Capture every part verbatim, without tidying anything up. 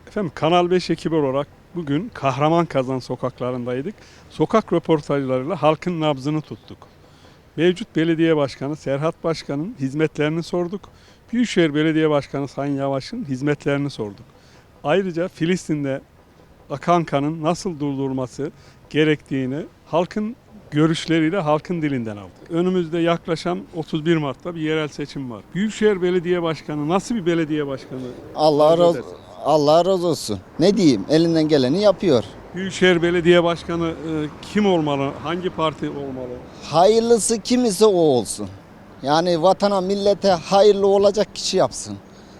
Efendim Kanal beş ekibi olarak bugün Kahramanmaraş sokaklarındaydık. Sokak röportajlarıyla halkın nabzını tuttuk. Mevcut belediye başkanı Serhat Başkan'ın hizmetlerini sorduk. Büyükşehir Belediye Başkanı Sayın Yavaş'ın hizmetlerini sorduk. Ayrıca Filistin'de akan kanın nasıl durdurulması gerektiğini halkın görüşleriyle halkın dilinden aldık. Önümüzde yaklaşan otuz bir Mart'ta bir yerel seçim var. Büyükşehir Belediye Başkanı nasıl bir belediye başkanı? Allah arzu razı, edersin? Allah razı olsun. Ne diyeyim? Elinden geleni yapıyor. Büyükşehir Belediye Başkanı e, kim olmalı? Hangi parti olmalı? Hayırlısı kim ise o olsun. Yani vatana, millete hayırlı olacak kişi yapsın.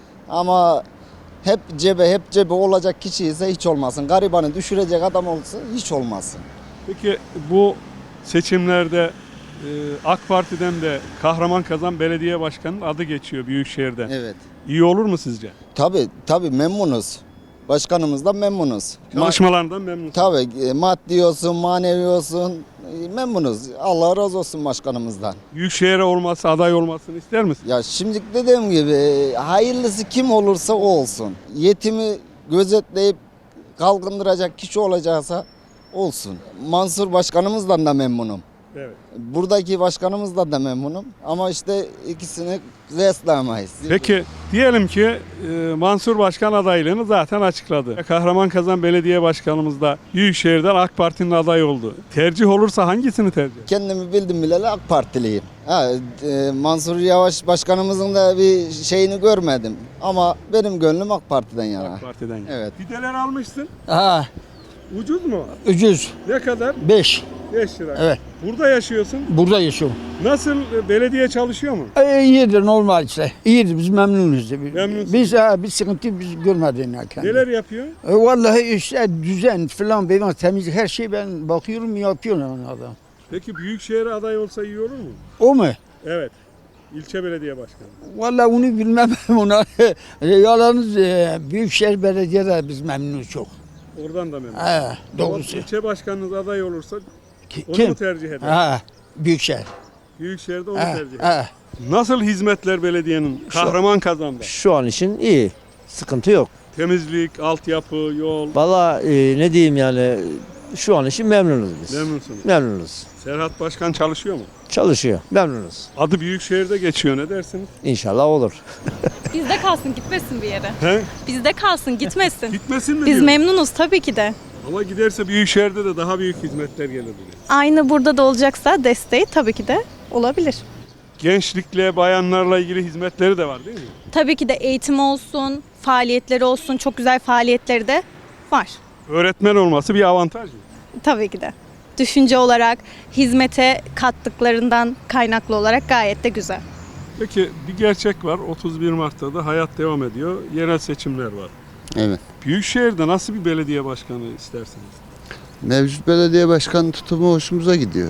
Ama hep cebe, hep cebe olacak kişi ise hiç olmasın. Garibanı düşürecek adam olsa hiç olmasın. Peki bu seçimlerde e, AK Parti'den de Kahramanmaraş Belediye Başkanı'nın adı geçiyor Büyükşehir'den. Evet. İyi olur mu sizce? Tabii, tabii memnunuz. Başkanımızdan memnunuz. Çalışmalarından memnunsunuz. Tabii e, maddi olsun, manevi olsun e, memnunuz. Allah razı olsun başkanımızdan. Büyükşehir'e olması, aday olmasını ister misin? Ya şimdi dediğim gibi e, hayırlısı kim olursa o olsun. Yetimi gözetleyip kalkındıracak kişi olacaksa olsun. Mansur başkanımızdan da memnunum. Evet. Buradaki başkanımızdan da memnunum. Ama işte ikisini kıyaslayamayız. Peki diyelim ki e, Mansur Başkan adaylığını zaten açıkladı. Kahramanmaraş Belediye Başkanımız da Büyükşehir'den AK Parti'nin adayı oldu. Tercih olursa hangisini tercih eder? Kendimi bildim bileli AK Partiliyim. Ha, e, Mansur Yavaş başkanımızın da bir şeyini görmedim. Ama benim gönlüm AK Parti'den yana. AK Parti'den. Evet. Fideler almışsın. Ha, Ucuz mu? ucuz. Ne kadar? beş. beş lira. Evet. Burada yaşıyorsun. Burada yaşıyorum. Nasıl? e, Belediye çalışıyor mu? E, iyidir normal işte. İyidir biz memnunuz. Memnunsun. Biz ha, bir sıkıntı biz görmedik. Yani. Neler yapıyor? E, vallahi işte düzen falan benim temizlik her şey ben bakıyorum yapıyor yani adam. Peki Büyükşehir'e aday olsa iyi olur mu? O mu? Evet. İlçe belediye başkanı. Vallahi onu bilmem ona. E, Yalnız e, Büyükşehir Belediye'de biz memnunuz çok. Oradan da memnun. Ha, doğrusu. İlçe başkanınız aday olursa Ki- onu Kim? mu tercih eder? Ha, Büyükşehir. Büyükşehir'de onu Ha, tercih eder. ha. Nasıl hizmetler belediyenin? Kahramanmaraş'ta. Şu an için iyi. Sıkıntı yok. Temizlik, altyapı, yol. Valla e, ne diyeyim yani şu an için memnunuz biz. Memnunsunuz. Memnunuz. Serhat Başkan çalışıyor mu? Çalışıyor. Memnunuz. Adı Büyükşehir'de geçiyor, ne dersiniz? İnşallah olur. Bizde kalsın, gitmesin bir yere. He? Bizde kalsın, gitmesin. Gitmesin mi Biz diyor? memnunuz tabii ki de. Ama giderse Büyükşehir'de de daha büyük hizmetler gelir diyor. Aynı burada da olacaksa desteği tabii ki de olabilir. Gençlikle, bayanlarla ilgili hizmetleri de var değil mi? Tabii ki de eğitim olsun, faaliyetleri olsun, çok güzel faaliyetleri de var. Öğretmen olması bir avantaj mı? Tabii ki de. Düşünce olarak, hizmete kattıklarından kaynaklı olarak gayet de güzel. Peki bir gerçek var. otuz bir Mart'ta da hayat devam ediyor. Yerel seçimler var. Evet. Büyükşehir'de nasıl bir belediye başkanı istersiniz? Mevcut belediye başkanı tutumu hoşumuza gidiyor.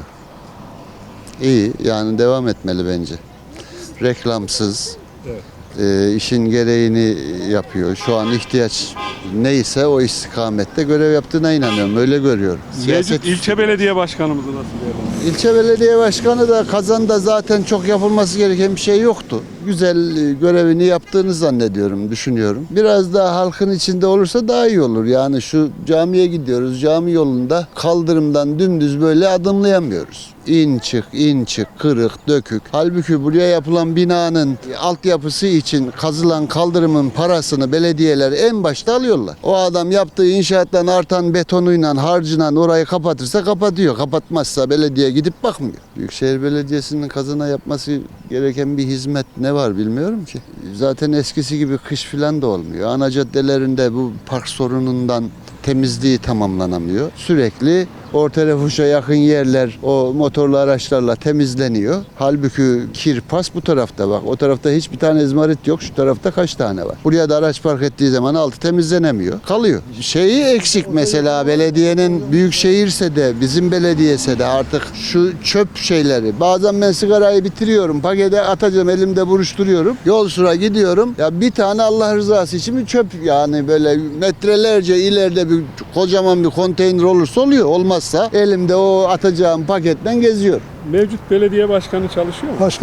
İyi, yani devam etmeli bence. Reklamsız, Evet. e, işin gereğini yapıyor. Şu an ihtiyaç neyse o istikamette görev yaptığına inanıyorum. Öyle görüyorum. Mevcut ilçe belediye başkanımızı nasıl değerlendiriyorsunuz? İlçe belediye başkanı da Kazan'da zaten çok yapılması gereken bir şey yoktu. Güzel e, görevini yaptığını zannediyorum, düşünüyorum. Biraz daha halkın içinde olursa daha iyi olur. Yani şu camiye gidiyoruz, cami yolunda kaldırımdan dümdüz böyle adımlayamıyoruz. İn çık, in çık, kırık, dökük. Halbuki buraya yapılan binanın altyapısı için kazılan kaldırımın parasını belediyeler en başta alıyorlar. O adam yaptığı inşaattan artan betonuyla, harcıyla orayı kapatırsa kapatıyor. Kapatmazsa belediye gidip bakmıyor. Büyükşehir Belediyesi'nin Kazan'a yapması gereken bir hizmet ne var bilmiyorum ki. Zaten eskisi gibi kış filan da olmuyor. Ana caddelerinde bu park sorunundan temizliği tamamlanamıyor. Sürekli orta refuşa yakın yerler o motorlu araçlarla temizleniyor. Halbuki kir pas bu tarafta bak. O tarafta hiçbir tane izmarit yok. Şu tarafta kaç tane var? Buraya da araç park ettiği zaman altı temizlenemiyor. Kalıyor. Şeyi eksik mesela belediyenin büyük şehirse de bizim belediyese de artık şu çöp şeyleri. Bazen ben sigarayı bitiriyorum. Pakete atacağım elimde buruşturuyorum. Yol sıra gidiyorum. Ya bir tane Allah rızası için bir çöp yani böyle metrelerce ileride bir kocaman bir konteyner olursa oluyor. Olmazsa elimde o atacağım paketten geziyor. Mevcut belediye başkanı çalışıyor mu? Başkan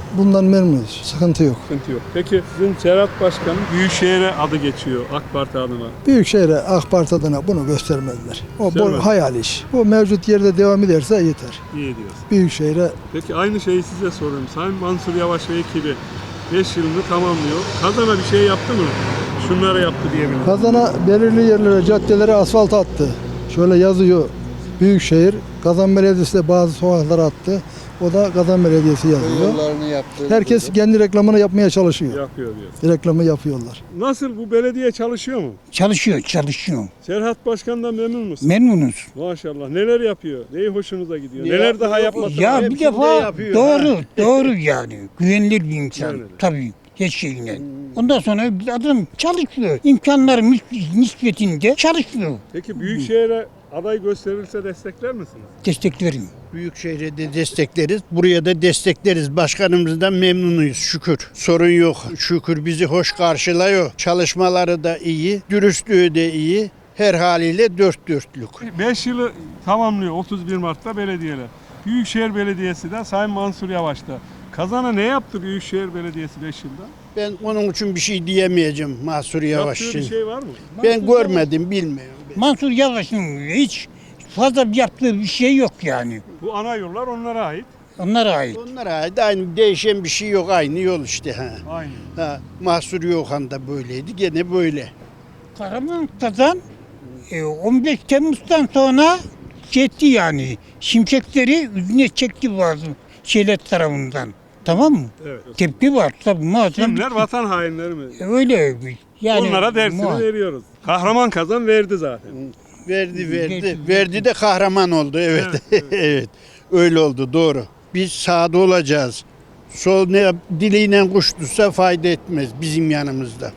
bundan memnunuz. Sıkıntı yok. Sıkıntı yok. Peki sizin Serhat Başkan'ın Büyükşehir'e adı geçiyor AK Parti adına. Büyükşehir'e AK Parti adına bunu göstermediler. O Göstermedi. bu hayal iş. Bu mevcut yerde devam ederse yeter. İyi diyorsun. Büyükşehir'e Peki aynı şeyi size sorayım. Sayın Mansur Yavaş ve ekibi beş yılını tamamlıyor. Kazana bir şey yaptı mı? Şunları yaptı diyebilirim. Kazan'a belirli yerlere, caddelere asfalt attı. Şöyle yazıyor Büyükşehir. Kazan Belediyesi de bazı sokaklara attı. O da Kazan Belediyesi yazıyor. Yollarını yaptı. Herkes kendi reklamını yapmaya çalışıyor. Yapıyor diyor. Reklamı yapıyorlar. Nasıl, bu belediye çalışıyor mu? Çalışıyor, çalışıyor. Serhat Başkan'dan memnun musun? Memnunuz. Maşallah. Neler yapıyor? Neyi hoşunuza gidiyor? Neler daha yapması Ya lazım? bir defa doğru, doğru yani. Güvenilir bir insan. Öyle. Tabii. Her şeyine. Ondan sonra bir adam çalışıyor. İmkanları nis- nispetinde çalışıyor. Peki Büyükşehir'e aday gösterilse destekler misiniz? Desteklerim. Büyükşehir'e de destekleriz. Buraya da destekleriz. Başkanımızdan memnunuyuz şükür. Sorun yok. Şükür bizi hoş karşılıyor. Çalışmaları da iyi. Dürüstlüğü de iyi. Her haliyle dört dörtlük. beş yılı tamamlıyor otuz bir Mart'ta belediyeler. Büyükşehir Belediyesi de Sayın Mansur Yavaş'ta. Kazana ne yaptı Büyükşehir Belediyesi beş yılda? Ben onun için bir şey diyemeyeceğim Mahsur Yavaş Yaptığı için. bir şey var mı? Ben görmedim, bilmiyorum. Mansur Yavaş'ın hiç fazla yaptığı bir şey yok yani. Bu ana yollar onlara ait. Onlara ait. Onlara ait aynı değişen bir şey yok. Aynı yol işte. Ha. Aynı. Ha. Mahsur Yohan da böyleydi. Gene böyle. Kahraman Kazan e, on beş Temmuz'dan sonra çekti yani. Şimşekleri yüzüne çekti bazı şeyler tarafından. Tamam mı? Evet. Tepki var tabii muazzam. Kimler? Vatan hainleri mi? Öyle yani. Onlara dersini muha- veriyoruz. Kahraman Kazan verdi zaten. Verdi verdi. Verdi. Verdi de kahraman oldu. Evet. Evet, Evet. Öyle oldu doğru. Biz sağda olacağız. Sol ne dileğiyle kuş tutsa fayda etmez bizim yanımızda.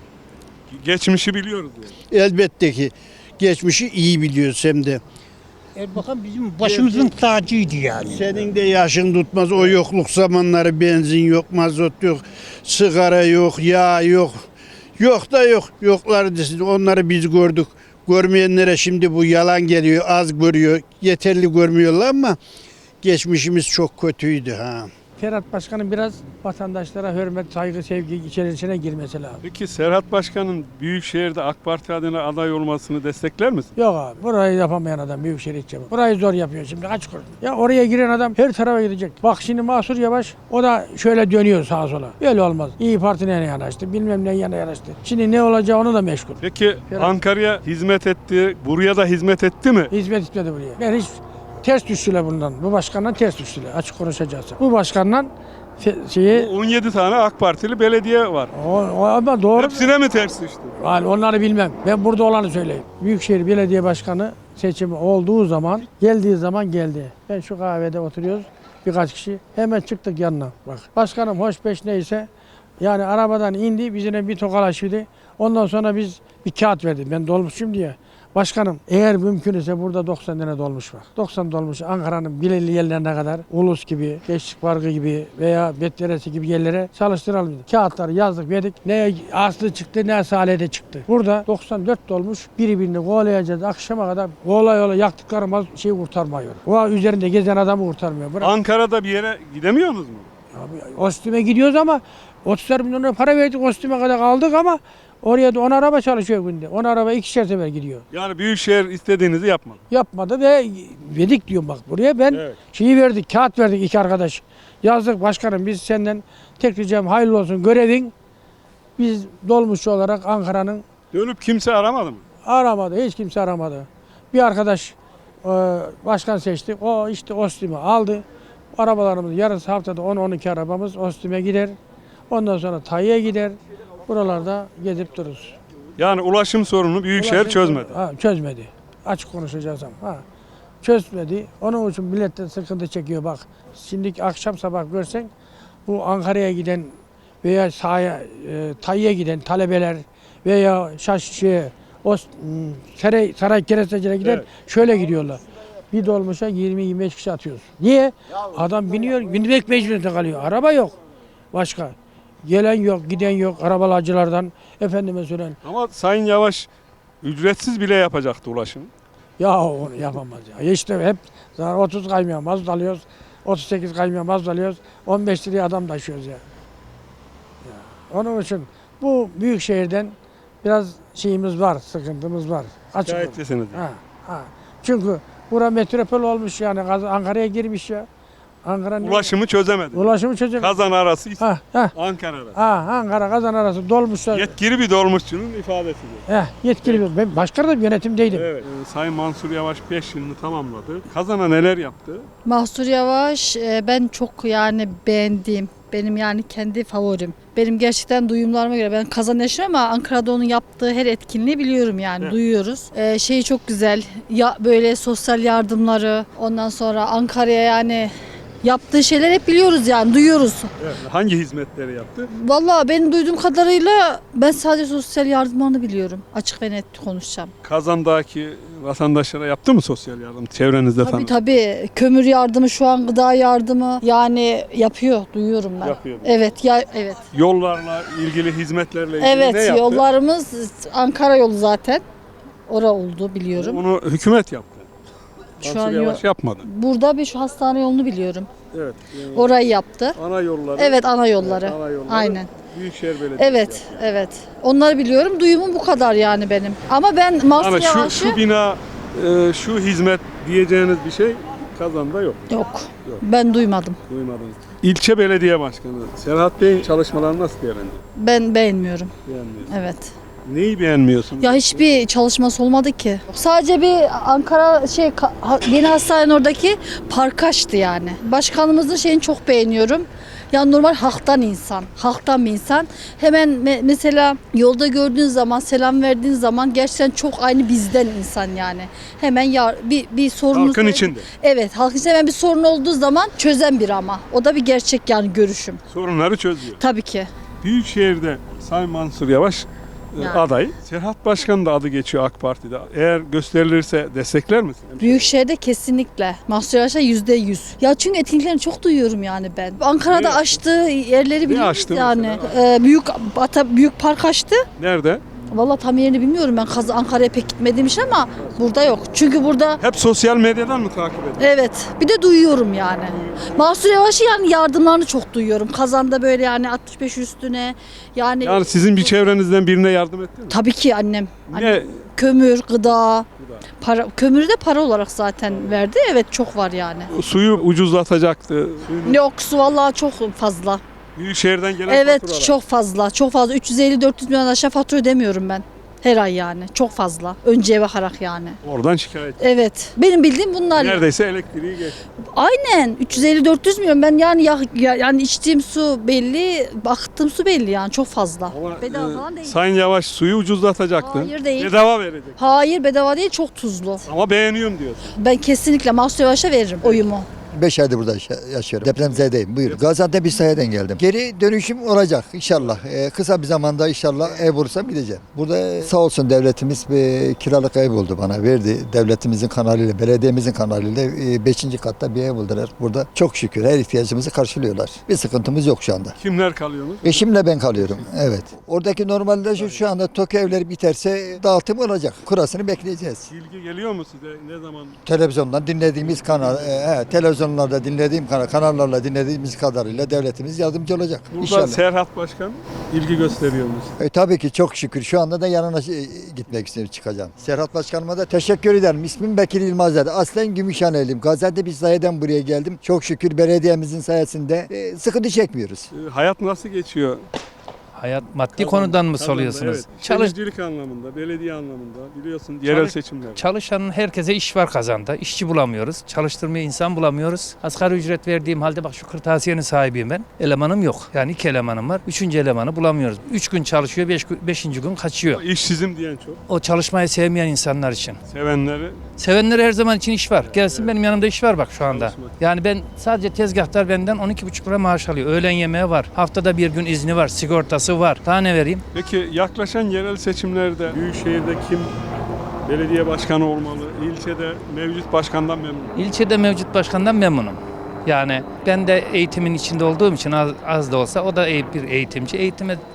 Geçmişi biliyoruz yani. Elbette ki geçmişi iyi biliyoruz hem de. Erbakan bizim başımızın tacıydı yani. Senin de yaşın tutmaz o yokluk zamanları, benzin yok, mazot yok, sigara yok, yağ yok. Yok da yok. Yokları desin. Onları biz gördük. Görmeyenlere şimdi bu yalan geliyor, az görüyor. Yeterli görmüyorlar ama geçmişimiz çok kötüydü ha. Serhat Başkan'ın biraz vatandaşlara hürmet, saygı, sevgi içerisine girmesi lazım. Peki Serhat Başkan'ın Büyükşehir'de AK Parti adına aday olmasını destekler misin? Yok abi, burayı yapamayan adam Büyükşehir İlçe. Burayı zor yapıyor şimdi, kaç kuruş. Ya oraya giren adam her tarafa gidecek. Bak şimdi Mansur Yavaş, o da şöyle dönüyor sağa sola. Öyle olmaz. İyi Parti'ne yanaştı, bilmem ne yana yanaştı. Şimdi ne olacağı onu da meşgul. Peki Serhat- Ankara'ya hizmet etti, buraya da hizmet etti mi? Hizmet etmedi buraya. Ben hiç ters düştüler bundan. Bu başkandan ters düştüler, açık konuşacağız. Bu başkandan fe- şeyi, on yedi tane AK Partili belediye var. o, o ama doğru. Hepsine mi ters düştü? Yani onları bilmem. Ben burada olanı söyleyeyim. Büyükşehir Belediye Başkanı seçimi olduğu zaman, geldiği zaman geldi. Ben şu kahvede oturuyoruz, birkaç kişi. Hemen çıktık yanına. Bak. Başkanım hoş beş neyse, yani arabadan indi, bizine bir tokalaşıydı. Ondan sonra biz bir kağıt verdi. Ben dolmuşum diye. Başkanım eğer mümkün ise burada doksan tane dolmuş var. doksan dolmuş Ankara'nın belirli yerlerine kadar Ulus gibi, Gençlik Parkı gibi veya Betderesi gibi yerlere çalıştıralım dedik. Kağıtları yazdık verdik. Ne Aslı çıktı ne Salih'de çıktı. Burada doksan dört dolmuş birbirini kovalayacağız. Akşama kadar kovala yola yaktıklarımız şey kurtarmıyor. O üzerinde gezen adamı kurtarmıyor. Bırak. Ankara'da bir yere gidemiyorsunuz mu? Abi, Ostüm'e gidiyoruz ama otuz milyon lira para verdik Ostüm'e kadar kaldık ama oraya da on araba çalışıyor günde. on araba ikişer sefer gidiyor. Yani Büyükşehir istediğinizi yapmadı. Yapmadı ve verdik diyorum bak buraya. Ben Evet. şeyi verdik, kağıt verdik iki arkadaş. Yazdık başkanım biz senden tek ricam hayırlı olsun görevin. Biz dolmuşçu olarak Ankara'nın Dönüp kimse aramadı mı? aramadı, hiç kimse aramadı. Bir arkadaş e, başkan seçti. O işte Ostüm'ü aldı. Arabalarımız yarısı haftada on on iki arabamız Ostüm'e gider. Ondan sonra Tayyip'e gider. Buralarda gezip dururuz. Yani ulaşım sorunu Büyükşehir Ulaşım- çözmedi. Ha, çözmedi. Açık konuşacağız ama. Ha. Çözmedi. Onun için millet de sıkıntı çekiyor bak. Şimdi akşam sabah görsen bu Ankara'ya giden veya sahaya, e, Tayyip'e giden talebeler veya Şaşçı'ya, o m, saray, saray kerestecilere gider Evet. şöyle gidiyorlar. Bir dolmuşa yirmi yirmi beş kişi atıyoruz. Niye? Adam biniyor, binmek mecburiyetinde kalıyor. Araba yok. Başka. Gelen yok, giden yok. Arabalacılardan efendime söylen. Ama Sayın Yavaş ücretsiz bile yapacaktı ulaşım. Ya onu yapamaz ya. İşte hep zaten otuz kaymıyor mazot alıyoruz. otuz sekiz kamyon mazot alıyoruz. on beş liraya adam taşıyoruz ya. ya. Onun için bu büyük şehirden biraz şeyimiz var, sıkıntımız var. Açık olun. Şikayetçisiniz. Ha, ha. Çünkü bura metropol olmuş yani Gaz- Ankara'ya girmiş ya. Ankara'nın Ulaşımı çözemedi. ulaşımı çözecek. Kazan arası Ha, ha. Ankara arası. Ha, Ankara Kazan arası dolmuşlar. Yetkili bir dolmuşçunun ifadesidir. Heh, yetkili bir. Ben başka da bir yönetimdeydim. Evet. e, Sayın Mansur Yavaş beş yılını tamamladı. Kazan'a neler yaptı? Mahsur Yavaş e, ben çok yani beğendiğim, benim yani kendi favorim. Benim gerçekten duyumlarıma göre ben Kazan yaşıyorum ama Ankara'da onun yaptığı her etkinliği biliyorum yani Evet. duyuyoruz. E, şeyi çok güzel ya böyle sosyal yardımları ondan sonra Ankara'ya yani yaptığı şeyler hep biliyoruz yani duyuyoruz. Evet. Hangi hizmetleri yaptı? Vallahi benim duyduğum kadarıyla ben sadece sosyal yardımlarını biliyorum. Açık ve net konuşacağım. Kazan'daki vatandaşlara yaptı mı sosyal yardım? Çevrenizde Tabii tanıdığınız. tabii kömür yardımı şu an gıda yardımı yani yapıyor duyuyorum ben. Yapıyor. Evet ya evet. Yollarla ilgili, hizmetlerle ilgili Evet ne yaptı? yollarımız Ankara yolu zaten. Ora oldu biliyorum. Onu hükümet yaptı. Şu Mansur an Yavaş yo- yapmadı. Burada bir şu hastane yolunu biliyorum. Evet. e, Orayı yaptı. ana yolları. Evet ana yolları. Evet, ana yolları. Aynen. Büyükşehir Belediyesi Evet yaptı. evet. Onları biliyorum. Duyumum bu kadar yani benim. Ama ben Mahsur Yani şu, Yavaş'ı şu bina, e, şu hizmet diyeceğiniz bir şey Kazan'da yok. yok. Yok. Ben duymadım. Duymadınız. İlçe Belediye Başkanı Serhat Bey'in çalışmalarını nasıl değerlendiriyor? Ben beğenmiyorum. Beğenmiyorsun. Evet. Neyi beğenmiyorsunuz? Ya hiçbir çalışması olmadı ki. Sadece bir Ankara şey ka- ha- yeni hastanenin oradaki park açtı yani. Başkanımızın şeyini çok beğeniyorum. Yani normal halktan insan, halktan bir insan. Hemen me- mesela yolda gördüğün zaman, selam verdiğin zaman gerçekten çok aynı bizden insan yani. Hemen ya, bir bir sorunu Halkın içinde. Evet, halkın içinde hemen bir sorun olduğu zaman çözen bir ama. O da bir gerçek yani görüşüm. Sorunları çözüyor. Tabii ki. Büyükşehir'de Sayın Mansur Yavaş e, Yani. aday. Serhat Başkan da adı geçiyor AK Parti'de. Eğer gösterilirse destekler misin? Büyükşehir'de kesinlikle. Mahsur Yavaş'a yüzde yüz. Ya çünkü etkinliklerini çok duyuyorum yani ben. Ankara'da Ne- açtığı yerleri biliyoruz açtı yani. Ee, büyük ata, büyük park açtı. Nerede? Vallahi tam yerini bilmiyorum ben. Kaz- Ankara'ya pek gitmediğim için ama burada yok. Çünkü burada Hep sosyal medyadan mı takip ediyorsun? evet bir de duyuyorum yani. Mahsur Yavaş'ı yani yardımlarını çok duyuyorum. Kazan'da böyle yani altmış beş üstüne yani, Yani sizin bir çevrenizden birine yardım etti mi? tabii ki annem. Annem Ne? kömür, gıda, para, kömürü de para olarak zaten verdi. Evet çok var yani. Suyu ucuzlatacaktı. Suyunu Yok su vallahi çok fazla. Büyükşehir'den gelen Evet faturalar. çok fazla. Çok fazla. üç yüz elli dört yüz milyon aşağı fatura ödemiyorum ben. Her ay yani. Çok fazla. Önceye bakarak yani. Oradan şikayet. Evet. Benim bildiğim bunlar. yani. Neredeyse elektriği geç. Aynen. üç yüz elli dört yüz milyon. Ben yani ya, ya- yani içtiğim su belli, baktığım su belli yani çok fazla. Ama Bedava e, falan değil. Sayın Yavaş suyu ucuzlatacaktı. Hayır, değil. Bedava verecek. Hayır bedava değil çok tuzlu. Ama beğeniyorum diyorsun. Ben kesinlikle Mahsur Yavaş'a veririm oyumu. beş aydır burada yaşa- yaşıyorum. Depremzedeyim. Buyurun. Gaziantep İslahiye'den geldim. Geri dönüşüm olacak inşallah. Ee, kısa bir zamanda inşallah ev bulursam gideceğim. Burada sağ olsun devletimiz bir kiralık ev buldu bana. Verdi. Devletimizin kanalıyla, belediyemizin kanalıyla e, beşinci katta bir ev buldular. Burada çok şükür her ihtiyacımızı karşılıyorlar. Bir sıkıntımız yok şu anda. Kimler kalıyorsunuz? Eşimle ben kalıyorum. Evet. Oradaki normalde şu, şu anda TOKİ evleri biterse dağıtım olacak. Kurasını bekleyeceğiz. İlgi geliyor mu size? Ne zaman? Televizyondan dinlediğimiz kanal, e, he, televizyonlarda dinlediğim kanal, kanallarla dinlediğimiz kadarıyla devletimiz yardımcı olacak. Burada İnşallah. Serhat Başkan ilgi gösteriyor musun? E, tabii ki çok şükür. Şu anda da yanına e, gitmek istiyorum, çıkacağım. Serhat Başkanıma da teşekkür ederim. İsmim Bekir Yılmazer. Aslen Gümüşhaneliyim. Gaziantep İslahiye'den buraya geldim. Çok şükür belediyemizin sayesinde e, sıkıntı çekmiyoruz. E, hayat nasıl geçiyor? Hayat maddi Kazan- konudan mı Kazan'da, soruyorsunuz? Evet. Çalış, Şehircilik anlamında, belediye anlamında biliyorsun yerel Çalış- seçimler. çalışanın herkese iş var Kazan'da. İşçi bulamıyoruz. Çalıştırmaya insan bulamıyoruz. Asgari ücret verdiğim halde bak şu kırtasiyenin sahibiyim ben. Elemanım yok. Yani iki elemanım var. Üçüncü elemanı bulamıyoruz. Üç gün çalışıyor, beş, gün- beşinci gün kaçıyor. İşsizim diyen çok. O çalışmayı sevmeyen insanlar için. Sevenleri Sevenlere her zaman için iş var. Gelsin benim yanımda iş var bak şu anda. Çalışmak. Yani ben sadece tezgahtar benden on iki buçuk lira maaş alıyor. Öğlen yemeği var. Haftada bir gün izni var. Sigortası var. Daha ne vereyim? Peki yaklaşan yerel seçimlerde Büyükşehir'de kim belediye başkanı olmalı? İlçede mevcut başkandan memnun. İlçede mevcut başkandan memnunum. Yani ben de eğitimin içinde olduğum için az, az da olsa o da eğ- bir eğitimci. Eğitime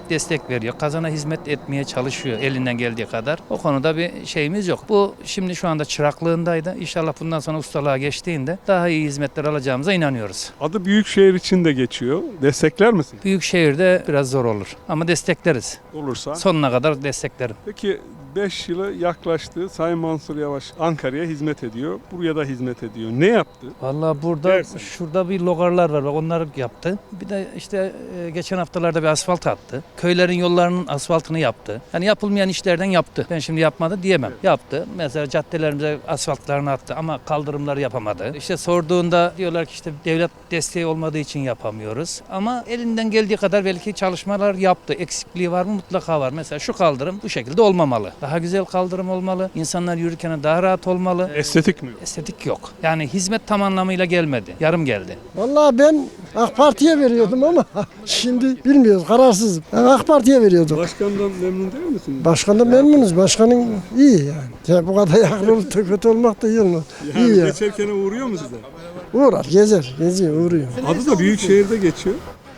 devlet destek veriyor. Kazana hizmet etmeye çalışıyor elinden geldiği kadar. O konuda bir şeyimiz yok. Bu şimdi şu anda çıraklığındaydı. İnşallah bundan sonra ustalığa geçtiğinde daha iyi hizmetler alacağımıza inanıyoruz. Adı Büyükşehir için de geçiyor. Destekler misin? Büyükşehir'de biraz zor olur ama destekleriz. Olursa. Sonuna kadar desteklerim. Peki beş yılı yaklaştı. Sayın Mansur Yavaş Ankara'ya hizmet ediyor. Buraya da hizmet ediyor. Ne yaptı? Vallahi burada Dersin. şurada bir logarlar var. Bak onları yaptı. Bir de işte e, geçen haftalarda bir asfalt attı. Köylerin yollarının asfaltını yaptı. Yani yapılmayan işlerden yaptı. Ben şimdi yapmadı diyemem. Yaptı. Mesela caddelerimize asfaltlarını attı ama kaldırımları yapamadı. İşte sorduğunda diyorlar ki işte devlet desteği olmadığı için yapamıyoruz. Ama elinden geldiği kadar belki çalışmalar yaptı. Eksikliği var mı? Mutlaka var. Mesela şu kaldırım bu şekilde olmamalı. Daha güzel kaldırım olmalı. İnsanlar yürürken daha rahat olmalı. Estetik mi? Estetik yok. Yani hizmet tam anlamıyla gelmedi. Yarım geldi. Vallahi ben AK Parti'ye veriyordum ama şimdi bilmiyoruz, kararsızım. Ben AK Parti'ye veriyordum. Başkandan memnun değil misin? Başkandan memnunuz. Başkanın iyi yani. Ya bu kadar yakın olup da kötü olmak da iyi olmaz. Yani İyi ya. geçerken uğruyor mu size? Uğrar, gezer, geziyor, uğruyor. Adı da Büyükşehir'de geçiyor.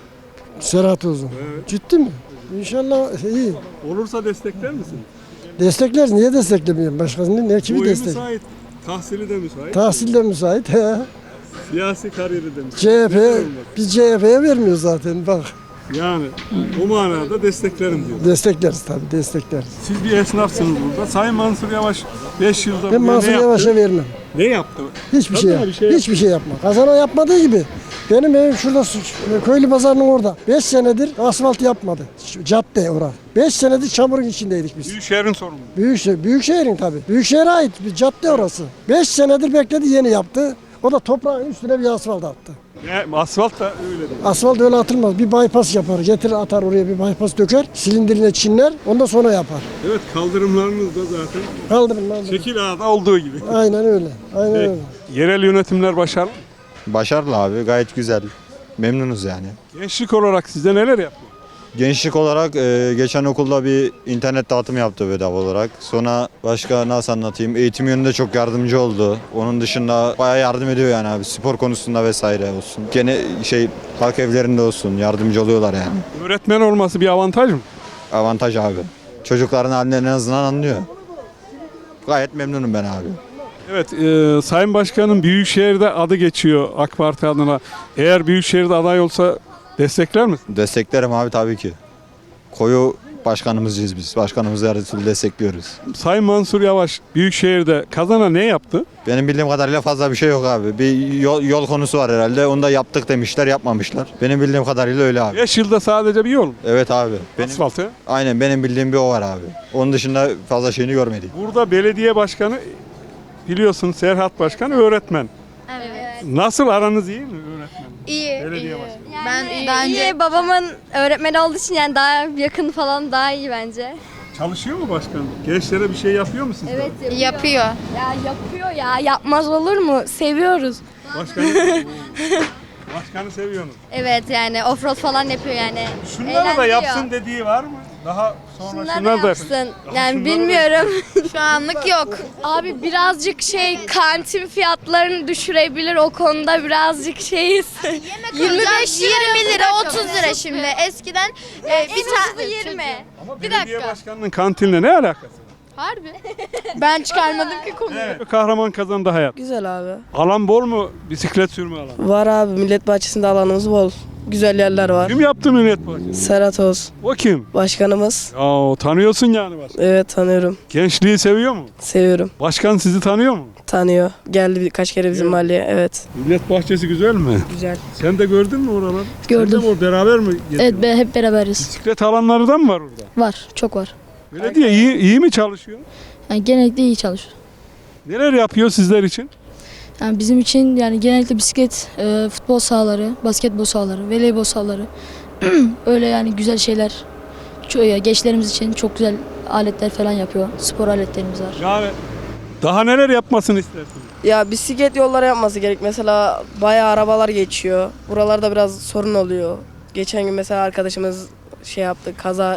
Serhat Uzun. Evet. Ciddi mi? İnşallah iyi. Olursa destekler misin? Destekler, niye desteklemiyorum? Başkasının ne kimi Boyu destek? müsait, tahsili de müsait. Tahsil de müsait. He. Siyasi kariyeri de müsait. C H P, biz C H P'ye vermiyoruz zaten bak. Yani o manada desteklerim diyor. Destekleriz tabii, destekleriz. Siz bir esnafsınız burada. Sayın Mansur Yavaş beş yılda Ben buraya Mansur ne yaptı? Yavaş'a vermem. Ne yaptı? Hiçbir Tabii şey, mi? yap. Bir şey Hiçbir şey yapma. Kazana yapmadığı gibi. Benim evim şurada su- köylü pazarının orada. beş senedir asfalt yapmadı. Şu cadde orası. beş senedir çamurun içindeydik biz. Büyükşehir'in sorumlu. Büyükşehir, Büyükşehir'in tabii. Büyükşehir'e ait bir cadde orası. beş senedir bekledi, yeni yaptı. O da toprağın üstüne bir asfalt attı. Ne, asfalt da öyle değil. Asfalt öyle atılmaz. Bir bypass yapar. Getirir atar oraya bir bypass döker. Silindirine çinler. Ondan sonra yapar. Evet, kaldırımlarınız da zaten Kaldırın lan. şekil ağda olduğu gibi. Aynen öyle. Aynen Peki. öyle. Yerel yönetimler başarılı. Başarılı abi, gayet güzel. Memnunuz yani. Gençlik olarak size neler yaptı? Gençlik olarak e, geçen okulda bir internet dağıtımı yaptı bedava olarak. Sonra başka nasıl anlatayım? Eğitim yönünde çok yardımcı oldu. Onun dışında bayağı yardım ediyor yani abi. Spor konusunda vesaire olsun. Gene şey halk evlerinde olsun yardımcı oluyorlar yani. Öğretmen olması bir avantaj mı? Avantaj abi. Çocukların halinden en azından anlıyor. Gayet memnunum ben abi. Evet, e, Sayın Başkan'ın Büyükşehir'de adı geçiyor AK Parti adına. Eğer Büyükşehir'de aday olsa destekler misin? Desteklerim abi tabii ki. Koyu başkanımızcıyız biz. Başkanımızı her türlü destekliyoruz. Sayın Mansur Yavaş Büyükşehir'de kazana ne yaptı? Benim bildiğim kadarıyla fazla bir şey yok abi. Bir yol, yol konusu var herhalde. Onu da yaptık demişler, yapmamışlar. Benim bildiğim kadarıyla öyle abi. beş yılda sadece bir yol. Evet abi. Benim, Asfaltı. aynen benim bildiğim bir o var abi. Onun dışında fazla şeyini görmedik. Burada belediye başkanı biliyorsun Serhat Başkan öğretmen. Evet. Nasıl aranız iyi mi öğretmen? İyi. Belediye iyi. başkanı. Ben iyi, daha önce iyi. babamın öğretmeni olduğu için yani daha yakın falan daha iyi bence. Çalışıyor mu başkan? Gençlere bir şey yapıyor mu sizler? Evet yapıyor. Yapıyor. Ya yapıyor ya. Yapmaz olur mu? Seviyoruz. Başkanı, başkanı seviyorsunuz. Evet yani offroad falan yapıyor yani. Şunları da Eğlendiriyor. yapsın dediği var mı? Daha sonra Şunları şunlar da yapsın. Daha Yani şunları da- bilmiyorum. Şu anlık yok. Abi birazcık şey kantin fiyatlarını düşürebilir o konuda birazcık şeyiz. yirmi beş yirmi lira otuz lira şimdi. Eskiden e, bir tane yirmi. Ama Bir belediye dakika. başkanının kantinle ne alakası var? Harbi. Ben çıkarmadım ki konuyu. Evet. Kahraman kazandı hayat. Güzel abi. Alan bol mu? Bisiklet sürme alanı. Var abi, millet bahçesinde alanımız bol. Güzel yerler var. Kim yaptı millet bahçesi? Serhat Oğuz. O kim? Başkanımız. Ya tanıyorsun yani başkan. Evet, tanıyorum. Gençliği seviyor mu? Seviyorum. Başkan sizi tanıyor mu? Tanıyor. Geldi birkaç kere bizim Evet. mahalleye. Evet. Millet bahçesi güzel mi? Güzel. Sen de gördün mü oraları? Gördüm. Sen de o beraber mi geziyorsun? be, hep beraberiz. Bisiklet alanları da mı var orada? Var. Çok var. Belediye iyi, iyi mi çalışıyor? Yani genellikle iyi çalışıyor. Neler yapıyor sizler için? Yani bizim için yani genellikle bisiklet, e, futbol sahaları, basketbol sahaları, voleybol sahaları. Öyle yani güzel şeyler. Çok, gençlerimiz için çok güzel aletler falan yapıyor. Spor aletlerimiz var. Yani daha neler yapmasını istersiniz? Ya bisiklet yolları yapması gerek. Mesela bayağı arabalar geçiyor. Buralarda biraz sorun oluyor. Geçen gün mesela arkadaşımız şey yaptı, kaza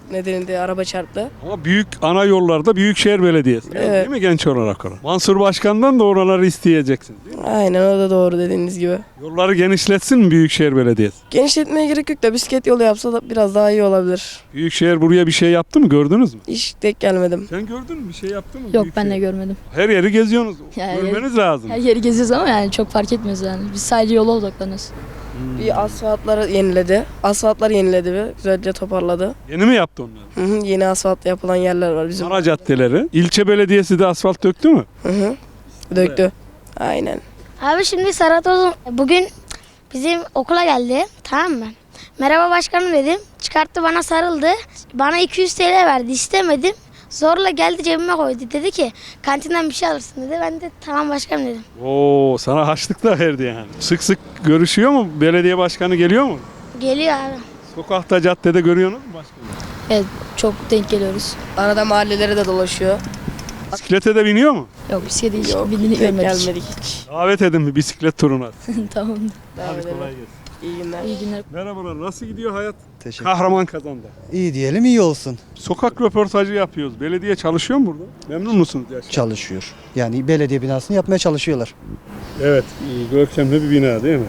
nedeniyle araba çarptı. Ama büyük ana yollarda Büyükşehir Belediyesi. Evet. Değil mi genç olarak orada? Mansur Başkan'dan da oraları isteyeceksin. Değil mi? Aynen o da doğru dediğiniz gibi. Yolları genişletsin mi Büyükşehir Belediyesi? Genişletmeye gerek yok da bisiklet yolu yapsa da biraz daha iyi olabilir. Büyükşehir buraya bir şey yaptı mı, gördünüz mü? Hiç denk gelmedim. Sen gördün mü, bir şey yaptı mı? Yok ben Büyükşehir? de görmedim. Her yeri geziyorsunuz. Ya, Görmeniz lazım. Her yeri geziyoruz ama yani çok fark etmiyoruz yani. Biz sadece yola odaklanıyoruz. Bir asfaltları yeniledi. Asfaltları yeniledi ve güzelce toparladı. Yeni mi yaptı onları? Hı hı, yeni asfalt yapılan yerler var bizim. Ana caddeleri. İlçe belediyesi de asfalt döktü mü? Hı hı. Döktü. Aynen. Abi şimdi Serhat Ozun bugün bizim okula geldi, tamam mı? Merhaba başkanım dedim. Çıkarttı bana sarıldı. Bana iki yüz T L verdi, istemedim. Zorla geldi cebime koydu. Dedi ki kantinden bir şey alırsın dedi. Ben de tamam başkanım dedim. Oo, sana haçlık da verdi yani. Sık sık görüşüyor mu? Belediye başkanı geliyor mu? Geliyor abi. Sokakta, caddede görüyorsunuz mu başkanı? Evet çok denk geliyoruz. Arada mahallelere de dolaşıyor. Bisiklete de biniyor mu? Yok bisiklete hiç Yok, bindiğini denk görmedik. gelmedik hiç. Davet edin bir bisiklet turuna. Tamam. Hadi kolay gelsin. İyi günler. İyi günler. Merhabalar, nasıl gidiyor hayat? Teşekkür. Kahraman kazandı. İyi diyelim iyi olsun. Sokak röportajı yapıyoruz. Belediye çalışıyor mu burada? Memnun musunuz? Yaşar? Çalışıyor. Yani belediye binasını yapmaya çalışıyorlar. Evet, görkemli bir bina değil mi?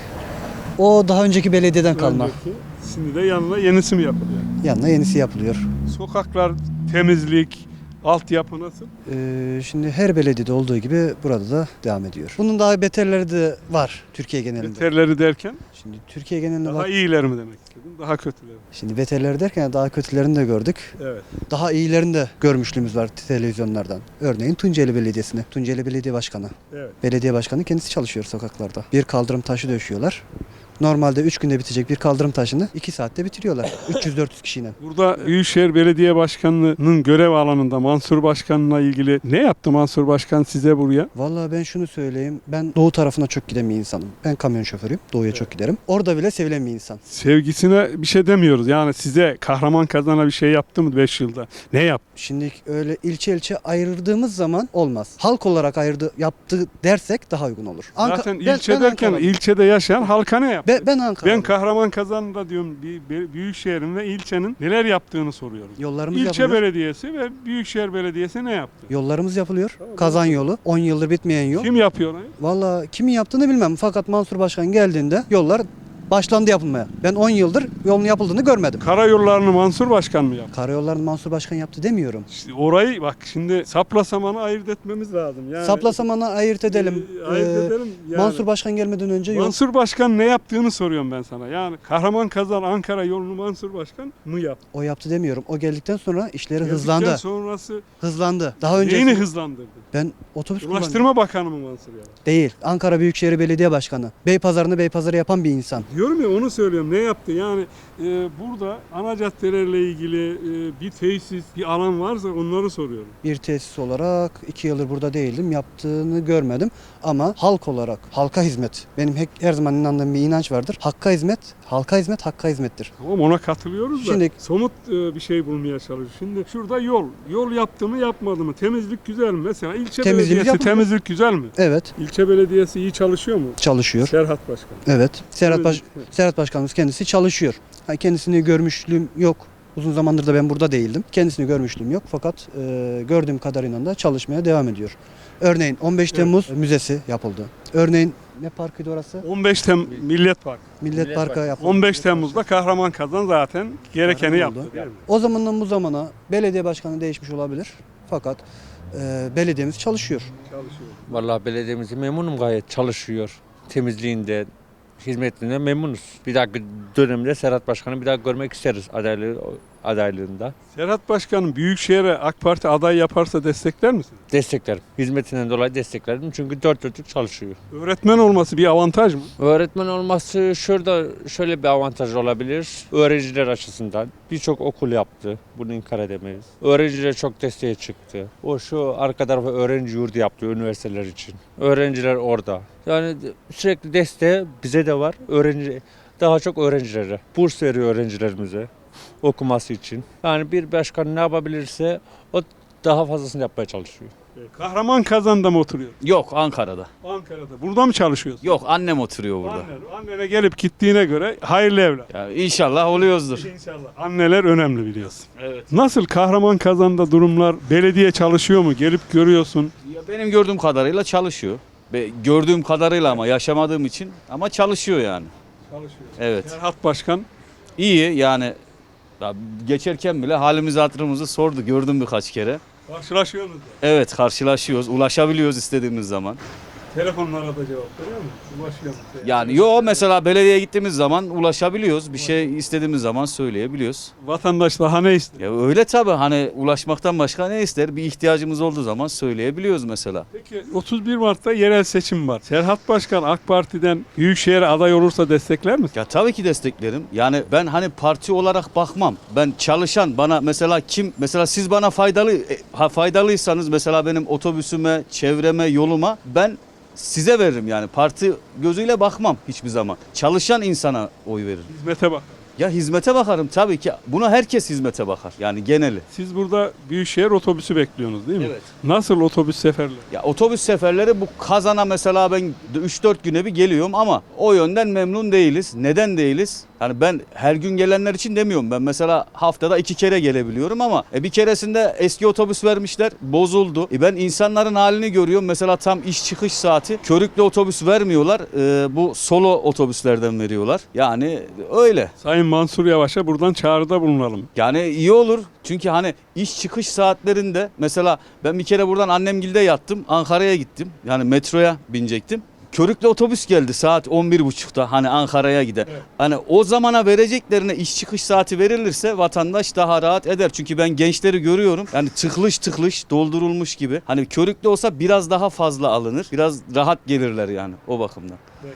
O daha önceki belediyeden kalma. Önceki, şimdi de yanına yenisi mi yapılıyor? Yanına yenisi yapılıyor. Sokaklar, temizlik, altyapı nasıl? Ee, şimdi her belediyede olduğu gibi burada da devam ediyor. Bunun daha beterleri de var Türkiye genelinde. Beterleri derken? Şimdi Türkiye genelinde Daha bak. iyiler mi demek istedim? Daha kötüler mi? Şimdi beterleri derken daha kötülerini de gördük. Evet. Daha iyilerini de görmüşlüğümüz var televizyonlardan. Örneğin Tunceli Belediyesi'ni. Tunceli Belediye Başkanı. Evet. Belediye başkanı kendisi çalışıyor sokaklarda. Bir kaldırım taşı döşüyorlar. Normalde üç günde bitecek bir kaldırım taşını iki saatte bitiriyorlar. üç yüz dört yüz kişiyle. Burada Büyükşehir Belediye Başkanlığı'nın görev alanında Mansur Başkan'la ilgili ne yaptı Mansur Başkan size buraya? Vallahi ben şunu söyleyeyim. Ben doğu tarafına çok giden bir insanım. Ben kamyon şoförüyüm. Doğuya çok giderim. Orada bile sevilen bir insan. Sevgisine bir şey demiyoruz. Yani size Kahraman Kazan'a bir şey yaptı mı beş yılda? Ne yaptı? Şimdi öyle ilçe ilçe ayırdığımız zaman olmaz. Halk olarak ayırdı, yaptı dersek daha uygun olur. Anka- Zaten ben- ilçe ben derken Ankara'lıyım. ilçede yaşayan halka ne yaptı? Ben, ben Ankara. Ben Kahraman Kazan'da diyorum bir, bir Büyükşehir'in ve ilçenin neler yaptığını soruyorum. Yollarımız İlçe yapılıyor. belediyesi ve Büyükşehir Belediyesi ne yaptı? Yollarımız yapılıyor. Kazan yolu. on yıldır bitmeyen yol. Kim yapıyor onu? Vallahi kimin yaptığını bilmem. Fakat Mansur Başkan geldiğinde yollar başlandı yapılmaya. Ben on yıldır yolun yapıldığını görmedim. Karayollarını Mansur Başkan mı yaptı? Karayollarını Mansur Başkan yaptı demiyorum. İşte orayı bak şimdi sapla samanı ayırt etmemiz lazım. Yani, Sapla samanı ayırt edelim. e, ayırt Ee, edelim. Yani. Mansur Başkan gelmeden önce yol... Mansur Başkan ne yaptığını soruyorum ben sana. Yani Kahraman Kazan Ankara yolunu Mansur Başkan mı yaptı? O yaptı demiyorum. O geldikten sonra işleri Geldikten hızlandı. sonrası Hızlandı. Daha önce neyini hızlandırdı? ben otobüs kullanıyorum. Ulaştırma Bakanı mı Mansur ya? Değil. Ankara Büyükşehir Belediye Başkanı. Beypazarı'nı Beypazarı yapan bir insan. Diyorum ya onu söylüyorum. Ne yaptı? Yani e, burada ana caddelerle ilgili e, bir tesis, bir alan varsa onları soruyorum. Bir tesis olarak iki yıldır burada değildim. Yaptığını görmedim. Ama halk olarak, halka hizmet. Benim hek- her zaman inandığım bir inanç vardır. Hakka hizmet, halka hizmet, hakka hizmettir. Tamam ona katılıyoruz da Şimdi- somut e, bir şey bulmaya çalışıyoruz. Şimdi şurada yol. Yol yaptı mı yapmadı mı? Temizlik güzel mi? Mesela ilçe Temizliğimiz belediyesi yapılıyor. temizlik güzel mi? Evet, İlçe belediyesi iyi çalışıyor mu? çalışıyor. Serhat Başkan. Evet. Serhat, Baş- Temizlik- Serhat Başkanımız kendisi çalışıyor. Ha, kendisini görmüşlüğüm yok. Uzun zamandır da ben burada değildim. Kendisini görmüşlüğüm yok fakat e, gördüğüm kadarıyla da çalışmaya devam ediyor. Örneğin on beş Temmuz Müzesi yapıldı. Örneğin ne parkıydı orası? on beş Tem Millet Parkı. Millet, Parkı yapıldı. on beş Temmuz'da Kahraman Kazan zaten gerekeni Kahraman yaptı oldu. değil mi? O zamandan bu zamana belediye başkanı değişmiş olabilir. Fakat e, belediyemiz çalışıyor. Çalışıyor. Vallahi belediyemiz memnunum gayet çalışıyor. Temizliğinde, hizmetinden memnunuz. Bir dahaki dönemde Serhat Başkan'ı bir daha görmek isteriz adaylığı, adaylığında. Serhat Başkan'ın Büyükşehir'e AK Parti aday yaparsa destekler misin? Desteklerim. Hizmetinden dolayı desteklerim. Çünkü dört dörtlük çalışıyor. Öğretmen olması bir avantaj mı? Öğretmen olması şurada şöyle bir avantaj olabilir. Öğrenciler açısından birçok okul yaptı. Bunu inkar edemeyiz. Öğrenciler çok desteğe çıktı. O şu arka tarafa öğrenci yurdu yaptı üniversiteler için. Öğrenciler orada. Yani sürekli desteği bize de var. Öğrenci daha çok öğrencilere. Burs veriyor öğrencilerimize okuması için. Yani bir başkan ne yapabilirse o daha fazlasını yapmaya çalışıyor. Kahraman Kazan'da mı oturuyor? Yok, Ankara'da. Ankara'da. Burada mı çalışıyorsun? Yok, annem oturuyor burada. Annen, annene gelip gittiğine göre hayırlı evlat. Ya inşallah oluyoruzdur. İnşallah. Anneler önemli biliyorsun. Evet. Nasıl Kahraman Kazan'da durumlar? Belediye çalışıyor mu? Gelip görüyorsun. Ya benim gördüğüm kadarıyla çalışıyor. Ve gördüğüm kadarıyla ama yaşamadığım için ama çalışıyor yani. Çalışıyor. Evet. Serhat Başkan. İyi yani ya geçerken bile halimizi hatırımızı sordu. Gördüm birkaç kere. Karşılaşıyorsunuz da. Evet, karşılaşıyoruz, ulaşabiliyoruz istediğimiz zaman. Telefonlara da cevap veriyor mu? Ulaşıyor mu? Yani yo mesela belediyeye gittiğimiz zaman ulaşabiliyoruz. Bir şey istediğimiz zaman söyleyebiliyoruz. Vatandaş daha ne ister? Ya öyle tabii hani ulaşmaktan başka ne ister? Bir ihtiyacımız olduğu zaman söyleyebiliyoruz mesela. Peki otuz bir Mart'ta yerel seçim var. Serhat Başkan AK Parti'den Büyükşehir'e aday olursa destekler misin? Ya tabii ki desteklerim. Yani ben hani parti olarak bakmam. Ben çalışan bana mesela kim mesela siz bana faydalı e, ha, faydalıysanız mesela benim otobüsüme, çevreme, yoluma ben size veririm yani. Parti gözüyle bakmam hiçbir zaman. Çalışan insana oy veririm. Hizmete bak. Ya hizmete bakarım tabii ki. Buna herkes hizmete bakar. Yani geneli. Siz burada Büyükşehir otobüsü bekliyorsunuz değil mi? Evet. Nasıl otobüs seferleri? Ya otobüs seferleri bu Kazan'a mesela ben üç dört güne bir geliyorum ama o yönden memnun değiliz. Neden değiliz? Yani ben her gün gelenler için demiyorum. Ben mesela haftada iki kere gelebiliyorum ama e, bir keresinde eski otobüs vermişler, bozuldu. E, ben insanların halini görüyorum. Mesela tam iş çıkış saati körüklü otobüs vermiyorlar. E, bu solo otobüslerden veriyorlar. Yani öyle. Sayın Mansur Yavaş'a buradan çağrıda bulunalım. Yani iyi olur. Çünkü hani iş çıkış saatlerinde mesela ben bir kere buradan annemgilde yattım. Ankara'ya gittim. Yani metroya binecektim. Körüklü otobüs geldi saat on bir buçukta hani Ankara'ya giden. Evet. Hani o zamana vereceklerine iş çıkış saati verilirse vatandaş daha rahat eder. Çünkü ben gençleri görüyorum. Yani tıklış tıklış doldurulmuş gibi. Hani körüklü olsa biraz daha fazla alınır. Biraz rahat gelirler yani o bakımdan.